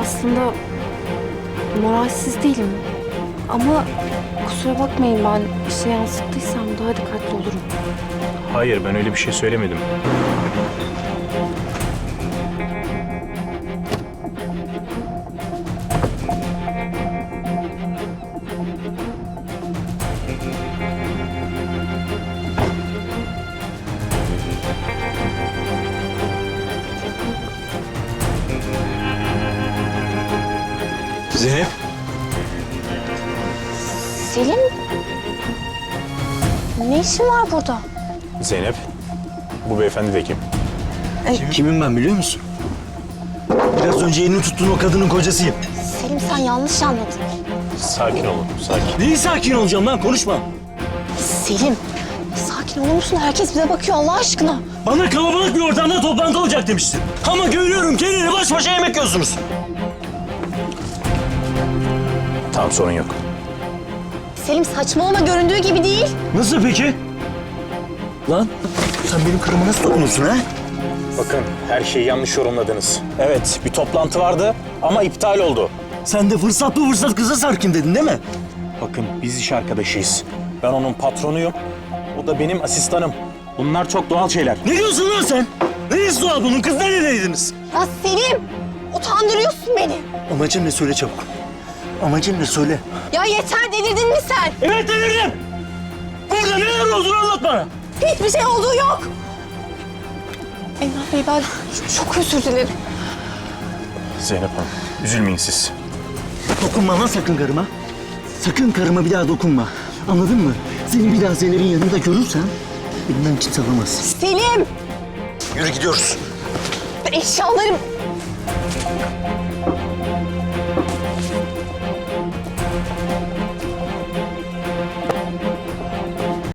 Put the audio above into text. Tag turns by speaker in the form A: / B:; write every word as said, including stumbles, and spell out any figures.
A: aslında moralsiz değilim. Ama kusura bakmayın, ben bir şey yansıttıysam daha dikkatli olurum.
B: Hayır, ben öyle bir şey söylemedim. Zeynep.
A: Selim, ne işin var burada?
B: Zeynep, bu beyefendi de kim?
C: Kim, kimim ben biliyor musun? Biraz önce elini tuttuğun o kadının kocasıyım.
A: Selim, sen yanlış anladın.
B: Sakin olun, sakin.
C: Neyi sakin olacağım lan, konuşma.
A: Selim, sakin olur musun? Herkes bize bakıyor Allah aşkına.
C: Bana kalabalık bir ortamda toplantı olacak demiştin. Ama görüyorum kendini baş başa yemek yiyorsunuz.
B: Tamam, sorun yok.
A: Selim, saçmalama, göründüğü gibi değil.
C: Nasıl peki? Lan sen benim karıma nasıl dokunursun ha?
B: Bakın, her şeyi yanlış yorumladınız. Evet, bir toplantı vardı ama iptal oldu.
C: Sen de fırsat bu fırsat kıza sarkın dedin değil mi?
B: Bakın, biz iş arkadaşıyız. Ben onun patronuyum, o da benim asistanım. Bunlar çok doğal şeyler.
C: Ne diyorsun lan sen? Neresi doğal bunun? Kız neredeydiniz?
A: Ya Selim, utandırıyorsun beni.
C: Amacın ne, söyle çabuk. Amacın ne, söyle.
A: Ya yeter, delirdin mi sen?
C: Evet delirdim. Burada neler olduğunu anlat bana.
A: Hiçbir şey olduğu yok. Emrah Bey, ben çok özür dilerim.
B: Zeynep Hanım, üzülmeyin siz.
C: Dokunma lan sakın karıma. Sakın karıma bir daha dokunma. Anladın mı? Seni bir daha Zeynep'in yanında görürsem elimden kimse alamaz.
A: Selim,
C: Yürü gidiyoruz.
A: eşyalarım...